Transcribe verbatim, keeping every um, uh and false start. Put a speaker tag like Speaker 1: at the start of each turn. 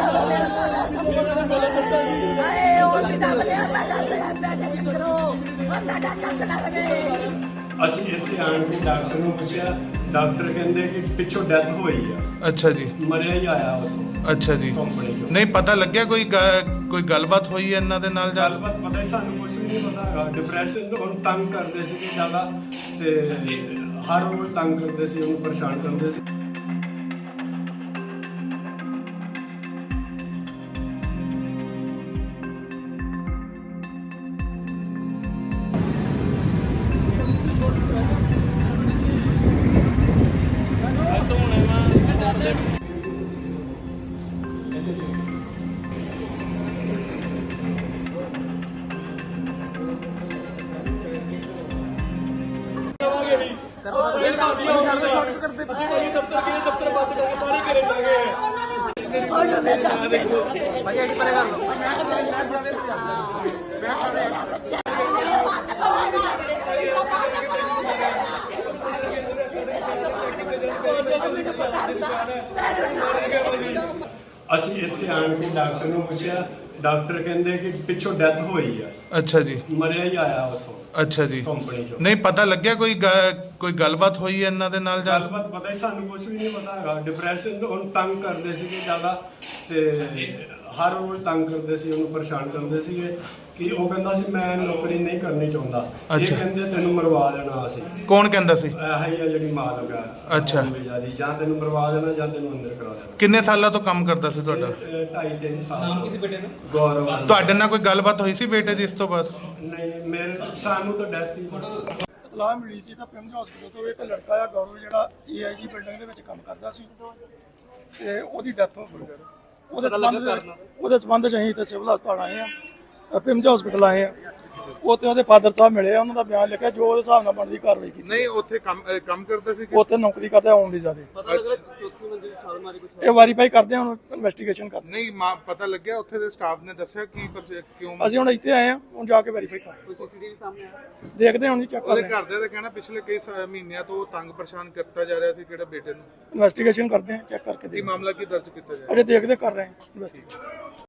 Speaker 1: ਅਸੀਂ ਇੱਥੇ ਆਣ ਕੇ ਡਾਕਟਰ ਨੂੰ ਪੁੱਛਿਆ, ਡਾਕਟਰ ਕਹਿੰਦੇ ਕਿ ਪਿੱਛੋਂ ਡੈਥ ਹੋਈ ਆ।
Speaker 2: ਅੱਛਾ ਜੀ,
Speaker 1: ਮਰਿਆ ਹੀ ਆਇਆ ਉੱਥੋਂ
Speaker 2: ਅੱਛਾ ਜੀ।
Speaker 1: ਕੰਪਨੀ ਚੋਂ
Speaker 2: ਨਹੀਂ ਪਤਾ ਲੱਗਿਆ ਕੋਈ ਗ- ਕੋਈ ਗੱਲਬਾਤ ਹੋਈ ਹੈ ਇਹਨਾਂ ਦੇ ਨਾਲ ਜਾਂ
Speaker 1: ਗੱਲਬਾਤ ਪਤਾ ਹੀ ਸਾਨੂੰ ਕੁਝ ਵੀ ਨਹੀਂ ਪਤਾ ਹੈਗਾ। ਡਿਪਰੈਸ਼ਨ ਉਹਨੂੰ ਤੰਗ ਕਰਦੇ ਸੀ ਜ਼ਿਆਦਾ, ਤੇ ਹਰ ਰੋਜ਼ ਤੰਗ ਕਰਦੇ ਸੀ, ਉਹਨੂੰ ਪਰੇਸ਼ਾਨ ਕਰਦੇ ਸੀ। ਅਸੀਂ ਇੱਥੇ ਆਣ ਕੇ ਡਾਕਟਰ ਨੂੰ ਪੁੱਛਿਆ, ਡਾਕਟਰ ਕਹਿੰਦੇ ਕਿ ਪਿੱਛੋਂ ਡੈਥ ਹੋਈ ਆ।
Speaker 2: ਅੱਛਾ ਜੀ,
Speaker 1: ਮਰਿਆ ਹੀ ਆਇਆ ਉੱਥੋਂ
Speaker 2: ਅੱਛਾ ਜੀ।
Speaker 1: ਕੰਪਨੀ ਚੋਂ।
Speaker 2: ਨਹੀਂ ਪਤਾ ਲੱਗਿਆ ਕੋਈ ਗ- ਕੋਈ ਗੱਲਬਾਤ ਹੋਈ ਹੈ ਇਹਨਾਂ ਦੇ ਨਾਲ ਜਾਂ
Speaker 1: ਗੱਲਬਾਤ ਪਤਾ ਹੀ ਸਾਨੂੰ ਕੁਝ ਵੀ ਨਹੀਂ ਪਤਾ ਹੈਗਾ। ਡਿਪਰੈਸ਼ਨ ਉਹਨੂੰ ਤੰਗ ਕਰਦੇ ਸੀ ਜ਼ਿਆਦਾ, ਤੇ ਹਰ ਰੋਜ਼ ਤੰਗ ਕਰਦੇ ਸੀ, ਉਹਨੂੰ ਪਰੇਸ਼ਾਨ ਕਰਦੇ ਸੀਗੇ ਕਿ ਉਹ ਕਹਿੰਦਾ ਸੀ ਮੈਂ ਨੌਕਰੀ ਨਹੀਂ ਕਰਨੀ ਚਾਹੁੰਦਾ। ਇਹ
Speaker 2: ਅੱਛਾ।
Speaker 1: ਕਹਿੰਦੇ ਤੈਨੂੰ ਮਰਵਾ ਦੇਣਾ ਅਸੀਂ।
Speaker 2: ਕੌਣ ਕਹਿੰਦਾ ਸੀ?
Speaker 1: ਇਹ ਹੀ ਆ ਜਿਹੜੀ ਮਾਲਕ ਆ।
Speaker 2: ਅੱਛਾ।
Speaker 1: ਜਿਆਦੀ ਜਾਂ ਤੈਨੂੰ ਮਰਵਾ ਦੇਣਾ ਜਾਂ ਤੈਨੂੰ ਅੰਦਰ ਕਰਾ ਦੇਣਾ।
Speaker 2: ਕਿੰਨੇ ਸਾਲਾਂ ਤੋਂ ਕੰਮ ਕਰਦਾ ਸੀ ਤੁਹਾਡਾ?
Speaker 1: ਇਹ ਢਾਈ ਤਿੰਨ ਸਾਲ।
Speaker 3: ਨਾਮ ਕਿਸੇ ਬੇਟੇ ਦਾ?
Speaker 1: ਗੌਰਵ।
Speaker 2: ਤੁਹਾਡੇ ਨਾਲ ਕੋਈ ਗੱਲਬਾਤ ਹੋਈ ਸੀ ਬੇਟੇ ਦੀ ਇਸ ਤੋਂ ਬਾਅਦ?
Speaker 1: ਨਹੀਂ, ਮੇਰੇ ਸਾਨੂੰ ਤਾਂ ਡੈਥ ਹੀ
Speaker 4: ਇਤਲਾਹ ਮਿਲੀ ਸੀ ਤਾਂ ਪਿੰਡ ਹਸਪੀਟਲ ਤੋਂ ਇੱਕ ਲੜਕਾ ਆ ਗੌਰਵ, ਜਿਹੜਾ ਏ ਆਈ ਜੀ ਬਿਲਡਿੰਗ ਦੇ ਵਿੱਚ ਕੰਮ ਕਰਦਾ ਸੀ, ਤੇ ਉਹਦੀ ਡੈਥ ਹੋ ਗਈ। ਉਹਦੇ ਸੰਬੰਧ ਉਹਦੇ ਸੰਬੰਧ ਚ ਅਸੀਂ ਤੇ ਸਿਵਲ ਹਸਪਤਾਲ ਆਏ ਆ, ਪਿੰਡ ਹਸਪੀਟਲ ਆਏ ਆ। ਉੱਥੇ ਉਹਦੇ ਫਾਦਰ ਸਾਹਿਬ ਮਿਲੇ ਆ, ਉਹਨਾਂ ਦਾ ਬਿਆਨ ਲਿਖਿਆ, ਜੋ ਉਹਦੇ ਹਿਸਾਬ ਨਾਲ ਬਣਦੀ ਕਾਰਵਾਈ ਕੀਤੀ।
Speaker 5: ਨਹੀਂ ਉੱਥੇ ਕੰਮ ਅਹ ਕੰਮ ਕਰਦਾ ਸੀ ਕਿ
Speaker 4: ਉੱਥੇ ਨੌਕਰੀ ਕਰਦਾ ਆਉਣ ਵੀਜ਼ਾ ਦੇ। ਇਹ ਵਾਰੀਫਾਈ ਕਰਦੇ ਆ, ਹੁਣ ਇਨਵੈਸਟੀਗੇਸ਼ਨ ਕਰਦੇ।
Speaker 5: ਨਹੀਂ ਮਾਂ ਪਤਾ ਲੱਗਿਆ ਉੱਥੇ ਦੇ ਸਟਾਫ ਨੇ ਦੱਸਿਆ ਕੀ ਪਰ ਕਿਉਂ
Speaker 4: ਅਸੀਂ ਹੁਣ ਇੱਥੇ ਆਏ ਆ, ਹੁਣ ਜਾ ਕੇ ਵੈਰੀਫਾਈ ਕਰਦੇ। ਸੀਸੀਟੀਵੀ ਸਾਹਮਣੇ ਆ, ਦੇਖਦੇ ਹਾਂ ਹੁਣ ਜੀ, ਚੈੱਕ
Speaker 5: ਉਹਦੇ
Speaker 4: ਕਰਦੇ ਹਾਂ।
Speaker 5: ਘਰਦਿਆਂ ਦਾ ਕਹਿਣਾ ਪਿਛਲੇ ਕਈ ਸਾ- ਮਹੀਨਿਆਂ ਤੋਂ ਤੰਗ ਪਰੇਸ਼ਾਨ ਕੀਤਾ ਜਾ ਰਿਹਾ ਸੀ ਕਿਹੜੇ ਬੇਟੇ ਨੂੰ।
Speaker 4: ਇਨਵੈਸਟੀਗੇਸ਼ਨ ਕਰਦੇ ਆ, ਚੈੱਕ ਕਰਕੇ
Speaker 5: ਕੀ
Speaker 4: ਦੇਖਦੇ
Speaker 5: ਮਾਮਲਾ ਕੀ ਦਰਜ ਕੀਤਾ ਜਾ ਰਿਹਾ?
Speaker 4: ਅਜੇ ਦੇਖਦੇ ਕਰ ਰਹੇ ਆ ਇਨਵੈਸਟੀਗੇਸ਼ਨ।